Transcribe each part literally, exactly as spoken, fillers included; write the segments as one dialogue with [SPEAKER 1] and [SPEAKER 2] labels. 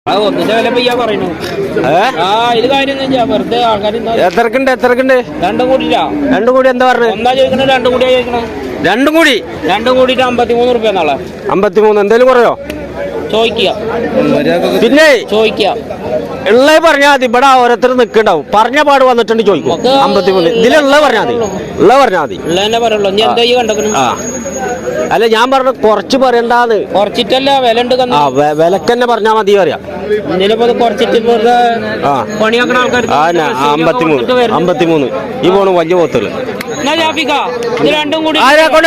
[SPEAKER 1] എത്രക്കുണ്ട് എത്രക്കുണ്ട് രണ്ടും കൂടി രണ്ടും കൂടി എന്താ പറഞ്ഞു എന്താ ചോദിക്കണേ രണ്ടും കൂടി ചോദിക്കണേ രണ്ടും കൂടി രണ്ടും കൂടിയിട്ട് അമ്പത്തിമൂന്ന് റുപ്യ നാളെ അമ്പത്തിമൂന്ന് എന്തേലും കുറയോ ചോദിക്കുക പിന്നെ ചോദിക്കുക ഉള്ളത് പറഞ്ഞാൽ മതി. ഇവിടെ ഓരോരുത്തർ നിൽക്കണ്ടാവും പറഞ്ഞ പാട് വന്നിട്ടുണ്ട് ചോദിക്കും അമ്പത്തിമൂന്ന് ഇതിലുള്ള പറഞ്ഞാൽ മതി ഉള്ളത് പറഞ്ഞാൽ മതി ഉള്ളതന്നെ പറയുള്ളൂ ആ അല്ല ഞാൻ പറഞ്ഞു കുറച്ച് പറയണ്ടാന്ന് കുറച്ചിട്ടല്ല വില ഉണ്ട് ആ വിലക്ക് തന്നെ പറഞ്ഞാൽ മതി പറയാ അമ്പത്തിമൂന്ന് അമ്പത്തിമൂന്ന് ഈ പോണു വലിയ പോത്തുകള് രണ്ടും കൂടി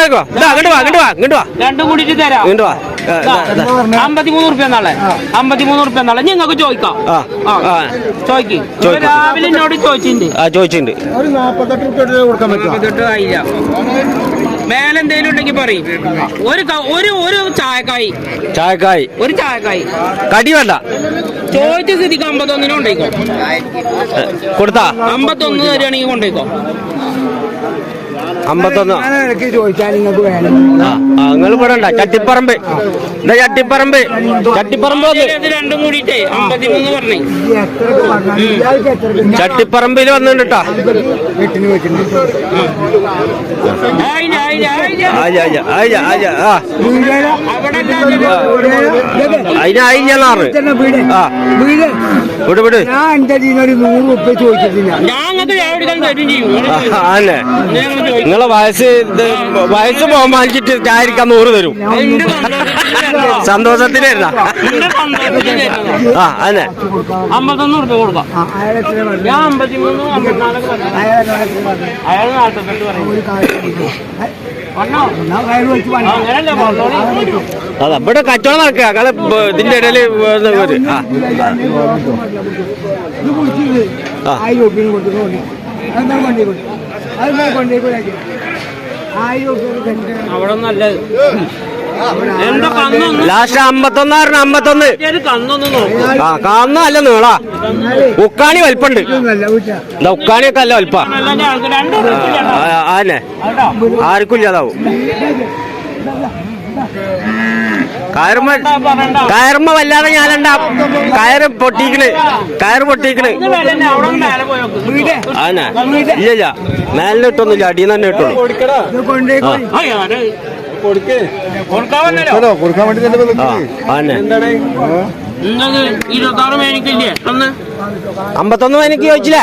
[SPEAKER 1] അമ്പത്തിമൂന്ന് റുപ്യ നാളെ അമ്പത്തിമൂന്ന് റുപ്യ നാളെ നിങ്ങൾക്ക് ചോദിക്കാം ചോദിക്കും രാവിലെ എന്നോട് ചോദിച്ചിട്ടുണ്ട് ആ ചോദിച്ചിട്ടുണ്ട് നാപ്പത്തെട്ട് ആയില്ല മേലെന്തേലും ഉണ്ടെങ്കിൽ പറയും ഒരു ഒരു ഒരു ചായക്കായി ചായക്കായി ഒരു ചായക്കായി കടി വേണ്ട ചോദിച്ച സ്ഥിതിക്ക് അമ്പത്തൊന്നിനും കൊണ്ടേക്കോ കൊടുത്താ അമ്പത്തൊന്ന് തരികയാണെങ്കിൽ കൊണ്ടേക്കോ അമ്പത്തൊന്ന് ചോദിച്ചാൽ നിങ്ങൾക്ക് വേണം നിങ്ങൾ പെടണ്ട ചട്ടിപ്പറമ്പ് ചട്ടിപ്പറമ്പ് ചട്ടിപ്പറമ്പ് രണ്ടും കൂടിട്ടേ അമ്പത്തിമൂന്ന് പറഞ്ഞേ ചട്ടിപ്പറമ്പിൽ വന്നിട്ടാ അതിനായിഞ്ഞാറ് വിട് വിട് നൂറ് റുപ്യ ചോദിച്ചിട്ടില്ല അല്ലേ നിങ്ങളെ വയസ്സ് വയസ്സ് ബഹുമാനിച്ചിട്ട് ചായരിക്കാൻ നൂറ് തരും സന്തോഷത്തിനായിരുന്ന ആ അതെ അമ്പത്തൊന്ന് റുപ്യ കൊടുക്കാം ഞാൻ അമ്പത്തിമൂന്ന് അയാൾ നാൽപ്പത്തെട്ട് അതാ ഇവിടെ കച്ചവടം നടക്കുക അയാളെ ഇതിന്റെ ഇടയില് അവിടെ നല്ലത് ലാസ്റ്റ് അമ്പത്തൊന്നാറിന് അമ്പത്തൊന്ന് ആ കന്നല്ല നീളാ ഉക്കാണി വലിപ്പുണ്ട് ഉക്കാണിയൊക്കെ അല്ല വലിപ്പ ആന്നെ ആർക്കും ഇല്ലാതാവും കയറുമ്പോ കയറുമ്പോ വല്ലാതെ ഞാനെന്താ കയറ് പൊട്ടിക്കണ് കയറ് പൊട്ടിക്കണ് ആന്നെ ഇല്ല മേലിന് ഇട്ടൊന്നുമില്ല അടിയിൽ തന്നെ ഇട്ടുള്ളൂ കൊടുക്കാൻ വേണ്ടി അമ്പത്തൊന്ന് എനിക്ക് ചോദിച്ചില്ലേ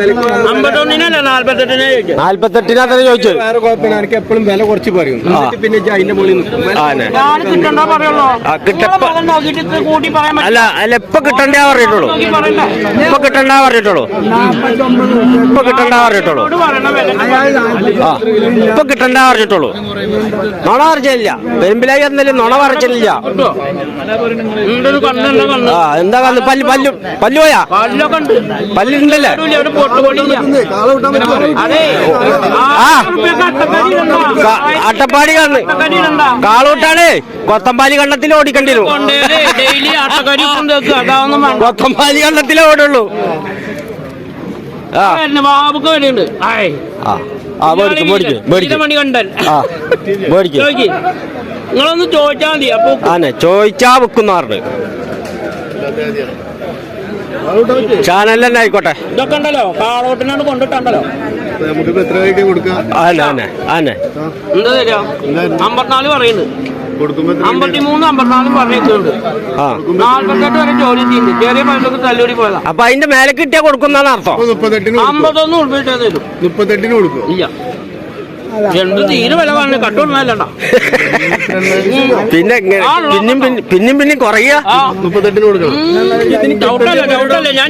[SPEAKER 1] നാല്പത്തെട്ടിനകത്ത് ചോദിച്ചു എപ്പോഴും വില കുറച്ച് പറയും പിന്നെ അതിന്റെ മുകളിൽ അല്ല അല്ല ഇപ്പൊ കിട്ടണ്ടേ പറഞ്ഞിട്ടുള്ളൂ ഇപ്പൊ കിട്ടണ്ട പറഞ്ഞിട്ടുള്ളൂ ഇപ്പൊ കിട്ടണ്ട പറഞ്ഞിട്ടുള്ളൂ ഇപ്പൊ കിട്ടണ്ട പറഞ്ഞിട്ടുള്ളൂ നുണ പറിച്ചില്ല പെരുമ്പിലായി എന്നാലും നുണ പറിച്ചില്ല ആ എന്താ കന്ന് പല്ല് പല്ലു പല്ലു പോയാ പല്ലുണ്ടല്ലേ അട്ടപ്പാടി കണ്ണ് കാളൂട്ടാണ് കൊത്തമ്പാലി കണ്ണത്തിൽ ഓടിക്കേണ്ടി വരും കൊത്തമ്പാലി കണ്ണത്തിലേ ഓടുള്ളൂ ബാബുക്ക് വരെയുണ്ട് നിങ്ങളൊന്ന് ചോദിച്ചാ മതി അപ്പൊ ആനെ ചോദിച്ചാ വെക്കുന്ന പറഞ്ഞു ചാനൽ തന്നെ ആയിക്കോട്ടെ ഇതൊക്കെ ഉണ്ടല്ലോ കാളോട്ടിനാണ് കൊണ്ടിട്ടുണ്ടല്ലോ എന്താ തരാ അമ്പത്തിനാല് പറയുന്നുണ്ട് അമ്പത്തിമൂന്ന് അമ്പത്തിനാലും പറഞ്ഞിട്ടുണ്ട് നാല്പത്തെട്ട് വരെ ജോലി ചെയ്യുന്നുണ്ട് ചെറിയ പൈസക്ക് തല്ലൂടി പോയതാ അപ്പൊ അതിന്റെ മേലെ കിട്ടിയാ കൊടുക്കുന്നതാണ് അർത്ഥം അമ്പത്തൊന്ന് ഉൾപ്പെട്ട് തരും മുപ്പത്തെട്ടിന് കൊടുക്കും ഇല്ല എന്ത് തീരെ വില പറഞ്ഞു കട്ടുകൊണ്ടല്ല പിന്നെ പിന്നും പിന്നും പിന്നും കുറയ മുപ്പത്തെട്ടിന് കൊടുക്കണം ഞാൻ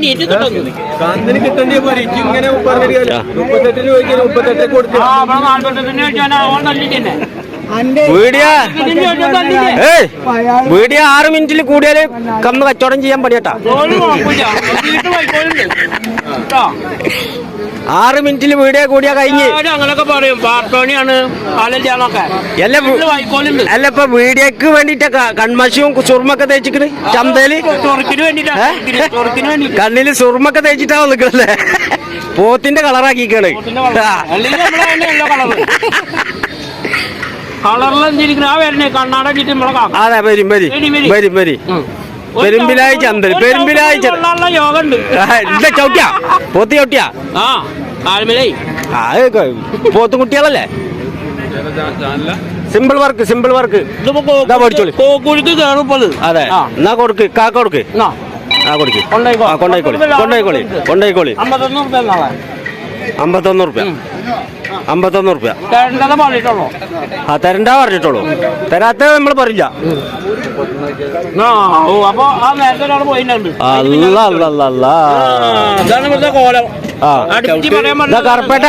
[SPEAKER 1] വീഡിയോ ആറ് മിനിറ്റിൽ കൂടിയാല് കന്ന് കച്ചവടം ചെയ്യാൻ പണിയട്ടാ ആറ് മിനിറ്റിൽ വീഡിയോ കൂടിയാ കഴിഞ്ഞ് അങ്ങനൊക്കെ പറയും പാർട്ടോണിയാണ് അല്ല ഇപ്പൊ വീഡിയോക്ക് വേണ്ടിട്ട് കൺമശവും സുർമൊക്കെ തേച്ചിക്കണ് ചന്തയില് കണ്ണില് സുർമൊക്കെ തേച്ചിട്ടാ നിക്കണല്ലേ പോത്തിന്റെ കളറാക്കിക്കാണ് കളറിലെന്തിരിക്കുന്ന ആ വരണേ കണ്ണാട അതെ വരും വരും വരും വരും പെരുമ്പിലായി ചന്തൽ പെരുമ്പിലായി എന്താ ചവിട്ടിയാ പോത്ത് ചവിട്ടിയാ ആ പോത്തും കുട്ടികളല്ലേ സിമ്പിൾ വർക്ക് സിമ്പിൾ വർക്ക് അതെ എന്നാ കൊടുക്ക് കാക്ക കൊടുക്ക് ആ കൊടുക്ക് കൊണ്ടായിക്കോളി കൊണ്ടായിക്കോളി കൊണ്ടായിക്കോളി അമ്പത്തൊന്ന് റുപ്യ അമ്പത്തൊന്ന് റുപ്യ ആ തരണ്ട പറഞ്ഞിട്ടുള്ളൂ തരാത്ത നമ്മൾ പറയില്ല കറുപ്പേട്ട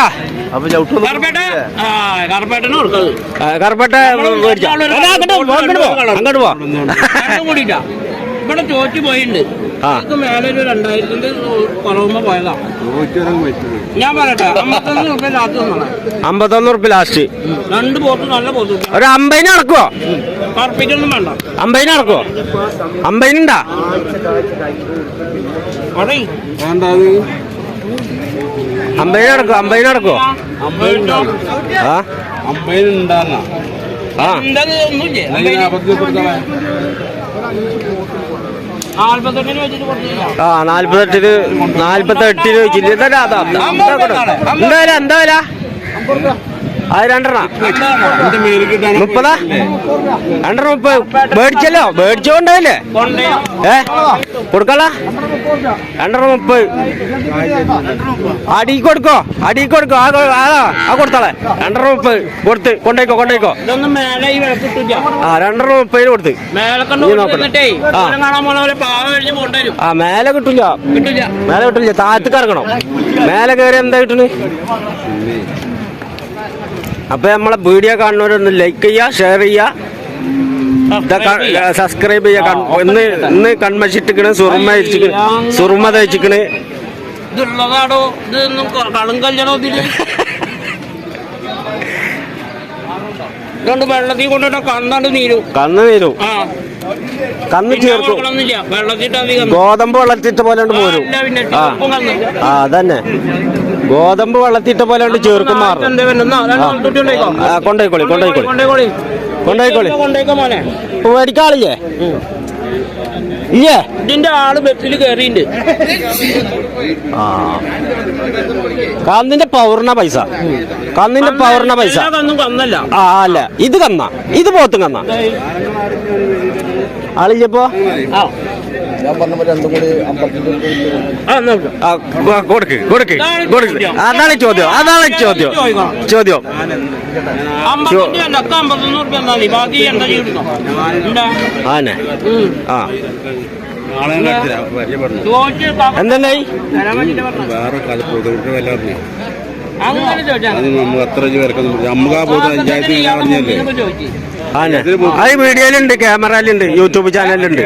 [SPEAKER 1] കറുപ്പേട്ട അങ്ങോട്ട് പോ
[SPEAKER 2] ഇവിടെ ചോദിച്ചു പോയിട്ടുണ്ട് മേലെ ഒരു രണ്ടായിരത്തിന്റെ കുറവുമ്പോ പോയതാ ഞാൻ പറയട്ടെ അമ്പത്തൊന്ന് റുപ്യ ലാസ്റ്റ്
[SPEAKER 1] അമ്പത്തൊന്ന് റുപ്യ ലാസ്റ്റ്
[SPEAKER 2] രണ്ട് പോത്ത് നല്ല പോത്ത്
[SPEAKER 1] ഒരു അമ്പതിന് നടക്കുവോ
[SPEAKER 2] കറുപ്പിക്കൊന്നും വേണ്ട
[SPEAKER 1] അമ്പതിന് നടക്കുവോ അമ്പതിനുണ്ടാ അമ്പതിന് നടക്കുവോ അമ്പതിന് നടക്കുവോ ആ
[SPEAKER 2] അമ്പതിനുണ്ടാ
[SPEAKER 1] ആ ആ നാല്പത്തെട്ടിന് നാല്പത്തെട്ടിന് വെച്ചില്ല എന്താ എന്താ വില അത് രണ്ടെണ്ണ മുപ്പതാ രണ്ടെണ്ണ മുപ്പത് മേടിച്ചല്ലോ മേടിച്ചോണ്ടല്ലേ ഏ കൊടുക്കല രണ്ടെണ്ണ മുപ്പത് അടി കൊടുക്കോ അടി കൊടുക്കോ ആ ആ കൊടുത്താളെ രണ്ടെണ്ണ മുപ്പത് കൊടുത്ത് കൊണ്ടേക്കോ കൊണ്ടേക്കോ ആ രണ്ടെണ്ണ മുപ്പതിന് കൊടുത്ത് ആ മേലെ കിട്ടില്ല മേലെ കിട്ടില്ല താഴത്തേക്ക് ഇറങ്ങണം മേലെ കയറി എന്താ കിട്ടണ് അപ്പൊ നമ്മളെ വീഡിയോ കാണുന്നവരൊന്ന് ലൈക്ക് ചെയ്യുക ഷെയർ ചെയ്യുക സബ്സ്ക്രൈബ് ചെയ്യുക ഇന്ന് ഇന്ന് കൺമശിട്ടിക്കണ് സുറുമ അരിച്ചിക്കണ് സുറുമ തയ്ച്ചിക്കണ്
[SPEAKER 2] വെള്ളത്തിൽ കൊണ്ടിട്ട് കണ്ണാണ്ട് നീരും
[SPEAKER 1] കണ്ണ് നീരും കന്ന് ചേർക്കും ഗോതമ്പ് വെള്ളത്തിട്ട പോലെ പോരും ആ അതന്നെ ഗോതമ്പ് വെള്ളത്തിട്ട പോലെ ചേർക്കും മാറും കൊണ്ടോയിക്കോളി കൊണ്ടോയിക്കോളി കൊണ്ടോയിക്കോളി മേടിക്കാളില്ലേ ഇല്ലേ
[SPEAKER 2] ഇതിന്റെ ആള് ബസ്സിൽ കയറിയിട്ടുണ്ട്
[SPEAKER 1] ആ കന്നിന്റെ പൗർണ പൈസ കന്നിന്റെ പൗർണ പൈസ
[SPEAKER 2] കന്നല്ല
[SPEAKER 1] ആ അല്ല ഇത് കന്ന ഇത് പോത്തും കന്ന ആളില്ലപ്പോ കൊടുക്ക് കൊടുക്ക് കൊടുക്ക് അതാണ് ചോദ്യം അതാണ് ചോദ്യം ചോദ്യം ആനെ ആ എന്തെന്നായി അത് വീഡിയോയിലുണ്ട് ക്യാമറയിലുണ്ട് യൂട്യൂബ് ചാനലുണ്ട്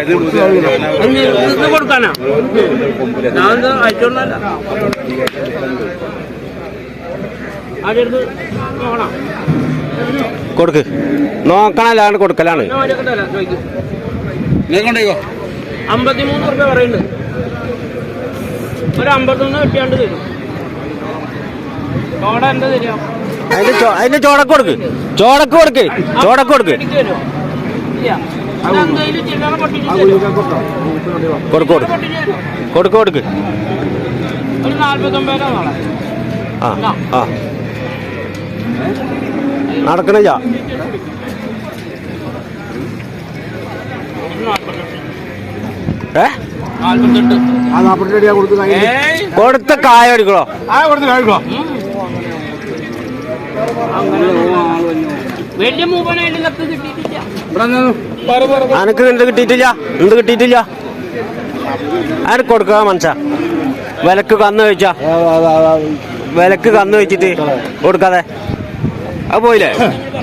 [SPEAKER 1] കൊടുക്ക് നോക്കണല്ലാണ് കൊടുക്കലാണ്
[SPEAKER 2] അമ്പത്തിമൂന്ന് റുപ്യ പറയുന്നുണ്ട് ഒരു അമ്പത്തൊന്ന് കിട്ടിയാണ്ട് തരും ചോട എന്താ തരിക
[SPEAKER 1] അതിന്റെ അതിന്റെ ചോടക്ക് കൊടുക്ക് ചോടക്ക് കൊടുക്ക് ചോടക്ക് കൊടുക്ക് കൊടുക്ക് കൊടുക്ക് കൊടുക്ക്
[SPEAKER 2] ഒരു നാല്പത്തൊമ്പതിനാ നാളെ
[SPEAKER 1] ആ ആ നടക്കണില്ല ഏ കൊടുത്ത കായ എടുക്കണോ
[SPEAKER 2] വലിയ മൂപ്പനായിട്ട് കത്ത് കിട്ടിയിട്ടില്ല
[SPEAKER 1] അനക്ക് എന്ത് കിട്ടിയിട്ടില്ല എന്ത് കിട്ടിയിട്ടില്ല അതിന് കൊടുക്കുക മനസ്സാ വിലക്ക് കന്ന് വെച്ചാ വിലക്ക് കന്ന് വെച്ചിട്ട് കൊടുക്കാതെ അത് പോയില്ലേ